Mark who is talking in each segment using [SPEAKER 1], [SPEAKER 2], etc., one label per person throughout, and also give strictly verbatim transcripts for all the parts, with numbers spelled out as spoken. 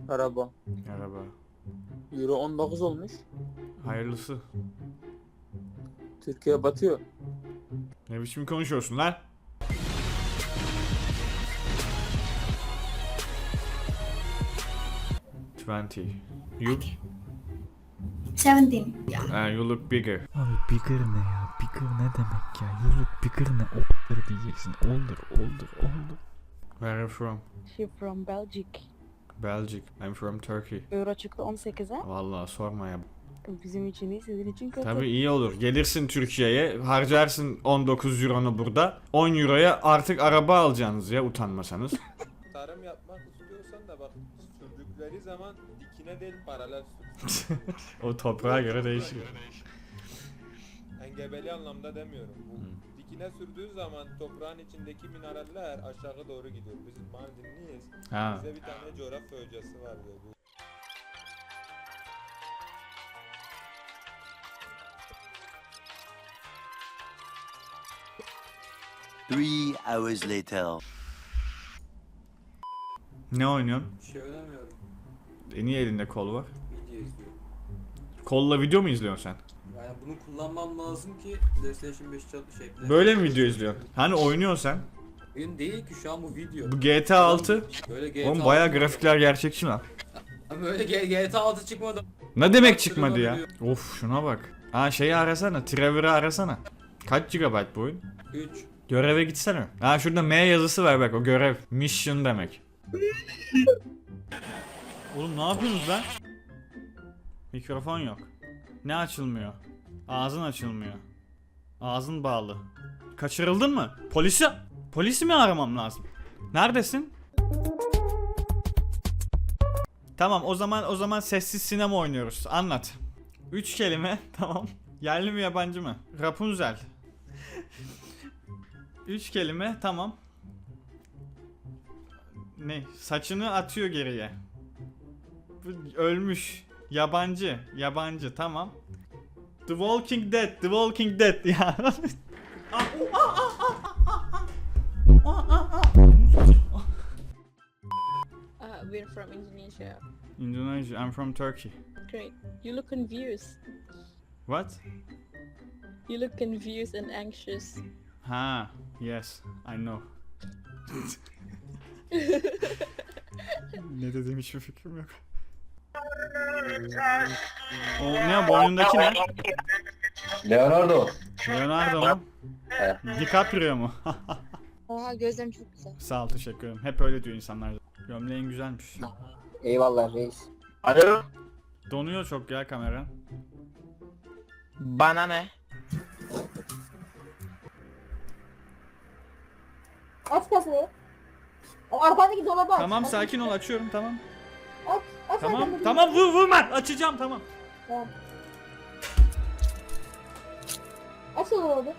[SPEAKER 1] Merhaba.
[SPEAKER 2] Merhaba.
[SPEAKER 1] Euro on dokuz olmuş.
[SPEAKER 2] Hayırlısı.
[SPEAKER 1] Türkiye batıyor.
[SPEAKER 2] Ne biçim konuşuyorsun lan? twenty. You?
[SPEAKER 3] seventeen. Ya.
[SPEAKER 2] Uh, you look bigger.
[SPEAKER 4] Abi bigger ne ya? Bigger ne demek ya? You look bigger ne? Older diyeceksin. Older, older, older.
[SPEAKER 2] Where are you from?
[SPEAKER 5] She from Belgium.
[SPEAKER 2] Belgium. I'm from Turkey.
[SPEAKER 5] Euro çıktı on sekize.
[SPEAKER 2] Vallahi sorma ya.
[SPEAKER 5] Bizim için iyi, sizin için kötü.
[SPEAKER 2] Tabii iyi olur. Gelirsin Türkiye'ye, harcarsın on dokuz euronu burada. on euroya artık araba alacaksınız ya, utanmasanız.
[SPEAKER 6] Tarım yapmak istiyorsan da bak, sürdükleri zaman dikine değil paralel sür.
[SPEAKER 2] O toprağa göre değişir.
[SPEAKER 6] Engebeli anlamda demiyorum. Bu dikine sürdüğü zaman toprağın içindeki mineraller aşağı doğru gidiyor. Biz Mardinliyiz.
[SPEAKER 2] Ha.
[SPEAKER 6] Bize bir tane coğrafya hocası vardı. Bu
[SPEAKER 7] Three hours later.
[SPEAKER 2] Ne oynuyorsun?
[SPEAKER 8] Bir şey oynamıyorum.
[SPEAKER 2] E niye elinde kol var?
[SPEAKER 8] Video izliyorum.
[SPEAKER 2] Kolla video mu izliyorsun sen?
[SPEAKER 8] Yani bunu kullanmam lazım ki PlayStation beş çat şey.
[SPEAKER 2] Böyle mi video izliyorsun? Hani oynuyorsun sen?
[SPEAKER 8] Oyun değil ki şu an bu video.
[SPEAKER 2] Bu G T A altı.
[SPEAKER 8] Böyle G T A
[SPEAKER 2] Oğlum bayağı
[SPEAKER 8] altı
[SPEAKER 2] grafikler gerçekçi lan.
[SPEAKER 8] Ama böyle G- GTA altı çıkmadı.
[SPEAKER 2] Ne demek çıkmadı ya? Of şuna bak. Ha şeyi arasana, Trevor'ı arasana. Kaç gigabayt bu oyun?
[SPEAKER 8] üç.
[SPEAKER 2] Göreve gitsene. Ha şurada M yazısı var bak, o görev. Mission demek. Oğlum ne yapıyorsunuz lan? Mikrofon yok. Ne açılmıyor? Ağzın açılmıyor. Ağzın bağlı. Kaçırıldın mı? Polisi... Polisi mi aramam lazım? Neredesin? Tamam o zaman o zaman sessiz sinema oynuyoruz. Anlat. Üç kelime tamam. Yerli mi yabancı mı? Rapunzel. Üç kelime tamam. Ne? Saçını atıyor geriye. Bu ölmüş. Yabancı. Yabancı tamam. The Walking Dead. The Walking Dead ya.
[SPEAKER 5] Uh, we're from Indonesia.
[SPEAKER 2] Indonesia. I'm from Turkey.
[SPEAKER 5] Great. You look confused.
[SPEAKER 2] What?
[SPEAKER 5] You look confused and anxious.
[SPEAKER 2] Ha. Yes. I know. Ne dediğim hiçbir fikrim yok. O ne boynundaki ne?
[SPEAKER 9] Leonardo.
[SPEAKER 2] Leonardo mu? DiCaprio mu?
[SPEAKER 3] Oha gözlerim çok güzel.
[SPEAKER 2] Sağ ol, teşekkür ederim. Hep öyle diyor insanlar. Gömleğin güzelmiş.
[SPEAKER 9] Eyvallah reis.
[SPEAKER 1] Alo.
[SPEAKER 2] Donuyor çok ya kameran.
[SPEAKER 1] Bana ne?
[SPEAKER 3] Aç kasayı. O arkadaki dolabı aç.
[SPEAKER 2] Tamam
[SPEAKER 3] Aç.
[SPEAKER 2] sakin ol, açıyorum tamam.
[SPEAKER 3] Aç. Aç
[SPEAKER 2] Tamam
[SPEAKER 3] arkadaki-
[SPEAKER 2] tamam vur vurma, açacağım tamam.
[SPEAKER 3] Tamam. Aç o dolabı.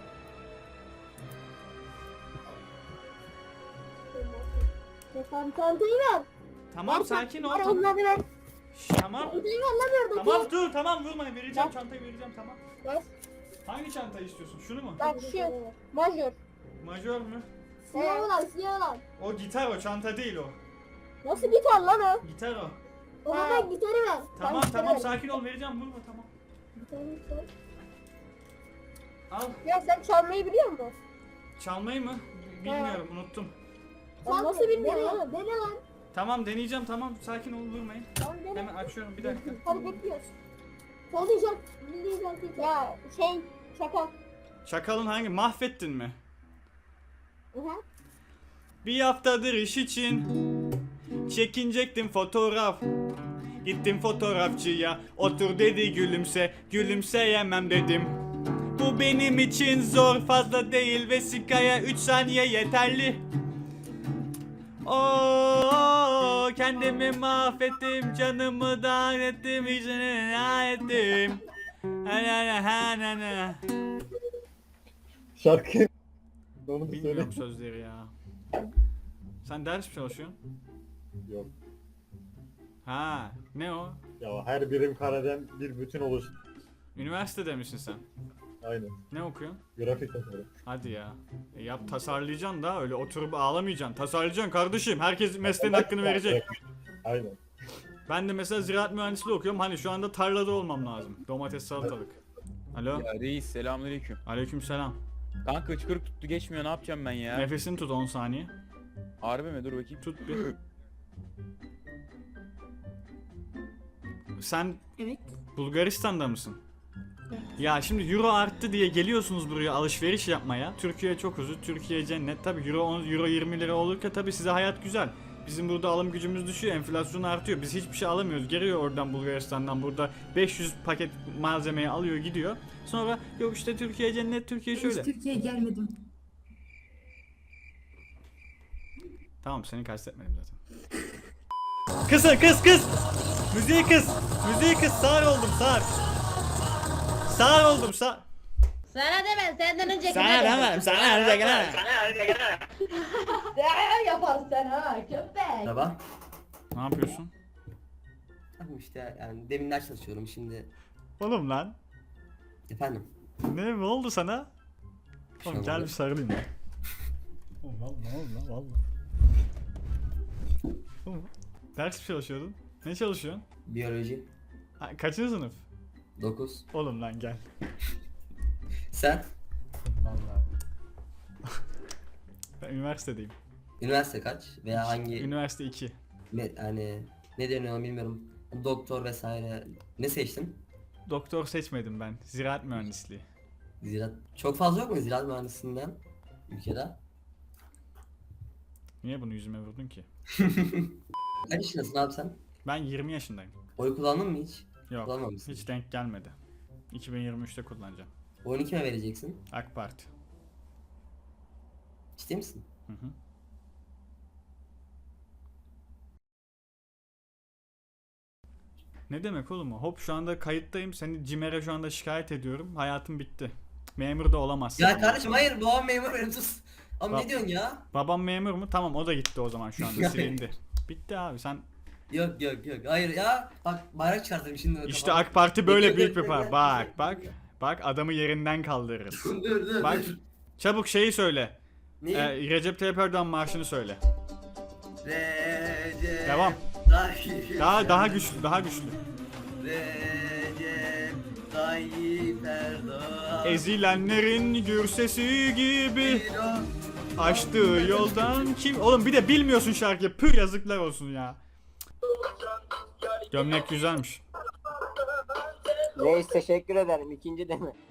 [SPEAKER 3] Tamam çantayı ver.
[SPEAKER 2] Tamam
[SPEAKER 3] Ver
[SPEAKER 2] sakin ol.
[SPEAKER 3] Ver
[SPEAKER 2] Tamam.
[SPEAKER 3] onları ver.
[SPEAKER 2] Şş, tamam.
[SPEAKER 3] Çantayı ver lan oradaki.
[SPEAKER 2] Tamam dur tamam vurma, vereceğim
[SPEAKER 3] Ver.
[SPEAKER 2] çantayı vereceğim tamam.
[SPEAKER 3] Ver.
[SPEAKER 2] Hangi çantayı istiyorsun? Şunu mu?
[SPEAKER 3] Bak şu. Majör.
[SPEAKER 2] Majör mü?
[SPEAKER 3] Siyah olan siyah olan.
[SPEAKER 2] O gitar, o çanta değil o.
[SPEAKER 3] Nasıl gitar lan o?
[SPEAKER 2] Gitar o.
[SPEAKER 3] O zaman gitarı ver.
[SPEAKER 2] Tamam
[SPEAKER 3] Sen
[SPEAKER 2] tamam
[SPEAKER 3] gitarı ver.
[SPEAKER 2] sakin ol, vereceğim vurma tamam.
[SPEAKER 3] Gitarı ver.
[SPEAKER 2] Al.
[SPEAKER 3] Ya sen çalmayı biliyor musun?
[SPEAKER 2] Çalmayı mı? Bilmiyorum, unuttum.
[SPEAKER 3] Sen nasıl bilmiyorsun ya? Dene lan.
[SPEAKER 2] Tamam deneyeceğim tamam, sakin ol, vurmayın.
[SPEAKER 3] Tamam dene.
[SPEAKER 2] Hemen açıyorum bir dakika.
[SPEAKER 3] Hadi bekliyoruz. Söyleyeceğim. Dinleyeceğim. Ya şey şaka.
[SPEAKER 2] Çakalın hangi? Mahvettin mi?
[SPEAKER 3] Hı hı.
[SPEAKER 2] Bir haftadır iş için çekinecektim fotoğraf. Gittim fotoğrafçıya, otur dedi gülümse, gülümseyemem dedim. Bu benim için zor, fazla değil, vesikaya üç saniye yeterli. Oo, kendimi mahvettim, canımı da ettim, içine ettim. Ha na na ha na na.
[SPEAKER 9] Şarkı. Onu da söyle.
[SPEAKER 2] Bilmiyorum sözleri ya. Sen ders mi çalışıyorsun?
[SPEAKER 9] Yok.
[SPEAKER 2] Ha, ne o?
[SPEAKER 9] Ya her birim kareden bir bütün oluş.
[SPEAKER 2] Üniversitede misin sen?
[SPEAKER 9] Aynen.
[SPEAKER 2] Ne okuyorsun?
[SPEAKER 9] Grafik tasarım.
[SPEAKER 2] Hadi ya. E yap, tasarlayacaksın da öyle oturup ağlamayacaksın. Tasarlayacaksın kardeşim. Herkes mesleğin hakkını verecek.
[SPEAKER 9] Aynen.
[SPEAKER 2] Ben de mesela ziraat mühendisliği okuyorum. Hani şu anda tarlada olmam lazım. Domates, salatalık. Alo.
[SPEAKER 10] Ya reis selamünaleyküm.
[SPEAKER 2] Aleykümselam.
[SPEAKER 10] Kanka hıçkırık tuttu geçmiyor ne yapacağım ben ya?
[SPEAKER 2] Nefesini tut on saniye.
[SPEAKER 10] Harbi mi? Dur bakayım.
[SPEAKER 2] Tut bir. Sen
[SPEAKER 3] Evet.
[SPEAKER 2] Bulgaristan'da mısın? Ya şimdi euro arttı diye geliyorsunuz buraya alışveriş yapmaya. Türkiye çok huzur, Türkiye cennet. Tabi euro on, euro yirmi lira olurken tabi size hayat güzel. Bizim burada alım gücümüz düşüyor, enflasyon artıyor. Biz hiçbir şey alamıyoruz. Geliyor oradan Bulgaristan'dan burada beş yüz paket malzemeyi alıyor gidiyor. Sonra yok işte Türkiye cennet, Türkiye şöyle.
[SPEAKER 3] Türkiye'ye gelmedim.
[SPEAKER 2] Tamam seni kastetmedim zaten. Kısın kız kız. Müziği kız. Müziği kız. Sağır oldum sağır. Sağır oldum sağır.
[SPEAKER 3] Sana demem senden önceki.
[SPEAKER 2] Sana demem sana önce
[SPEAKER 3] Ne yaparsın ha köpek.
[SPEAKER 8] Merhaba.
[SPEAKER 2] Ne yapıyorsun?
[SPEAKER 8] Tamam işte yani demin ders çalışıyorum şimdi.
[SPEAKER 2] Oğlum lan.
[SPEAKER 8] Efendim.
[SPEAKER 2] Ne, ne oldu sana? Oğlum
[SPEAKER 8] Şey
[SPEAKER 2] gel
[SPEAKER 8] oldu.
[SPEAKER 2] bir sarılayım ya. Oğlum valla ne oldu lan valla. Oğlum, ders mi çalışıyordun? Ne çalışıyorsun?
[SPEAKER 8] Biyoloji.
[SPEAKER 2] Ha, kaçıncı sınıf?
[SPEAKER 8] dokuz.
[SPEAKER 2] Oğlum lan gel.
[SPEAKER 8] Sen?
[SPEAKER 2] Valla. Ben üniversitedeyim.
[SPEAKER 8] Üniversite kaç? Veya hangi
[SPEAKER 2] Üniversite iki.
[SPEAKER 8] ne, hani ne deniyor bilmiyorum. Doktor vesaire. Ne seçtin?
[SPEAKER 2] Doktor seçmedim ben. Ziraat mühendisliği.
[SPEAKER 8] Ziraat. Çok fazla yok mu ziraat mühendisliğinden ülkede?
[SPEAKER 2] Niye bunu yüzüme vurdun ki?
[SPEAKER 8] Kaç yaşındasın abi sen?
[SPEAKER 2] Ben yirmi yaşındayım.
[SPEAKER 8] Oy kullandın mı hiç?
[SPEAKER 2] Yok.
[SPEAKER 8] Kullanmamışsın.
[SPEAKER 2] Hiç denk gelmedi. iki bin yirmi üçte kullanacağım.
[SPEAKER 8] Oyunu kime vereceksin?
[SPEAKER 2] AK Parti.
[SPEAKER 8] Ciddi misin?
[SPEAKER 2] Hı hı. Ne demek oğlum o? Hop şu anda kayıttayım. Seni CİMER'e şu anda şikayet ediyorum. Hayatım bitti. Memur da olamazsın.
[SPEAKER 8] Ya kardeşim hayır babam memur benim sus. Ama
[SPEAKER 2] Bak-
[SPEAKER 8] ne diyorsun ya?
[SPEAKER 2] Babam memur mu? Tamam o da gitti o zaman şu anda silindi. Bitti abi sen.
[SPEAKER 8] Yok yok yok hayır ya. Bak bayrak çıkartırım şimdi.
[SPEAKER 2] İşte
[SPEAKER 8] kafama.
[SPEAKER 2] AK Parti böyle
[SPEAKER 8] Bekle,
[SPEAKER 2] büyük bir
[SPEAKER 8] bekle,
[SPEAKER 2] parti.
[SPEAKER 8] bekle.
[SPEAKER 2] Bak bak. Bak adamı yerinden kaldırırız.
[SPEAKER 8] dur dur
[SPEAKER 2] Bak
[SPEAKER 8] dur.
[SPEAKER 2] çabuk şeyi söyle.
[SPEAKER 8] Ne?
[SPEAKER 2] Ee, Recep Tayyip Erdoğan marşını söyle.
[SPEAKER 8] Recep
[SPEAKER 2] Devam.
[SPEAKER 8] Tayyip
[SPEAKER 2] Daha daha güçlü, daha güçlü.
[SPEAKER 8] Recep Tayyip Erdoğan.
[SPEAKER 2] Ezilenlerin gür sesi gibi
[SPEAKER 8] Biro-
[SPEAKER 2] açtığı yoldan kim? Oğlum bir de bilmiyorsun şarkıyı. Pür yazıklar olsun ya. Gömlek güzelmiş.
[SPEAKER 1] Reis teşekkür ederim. İkinci deme.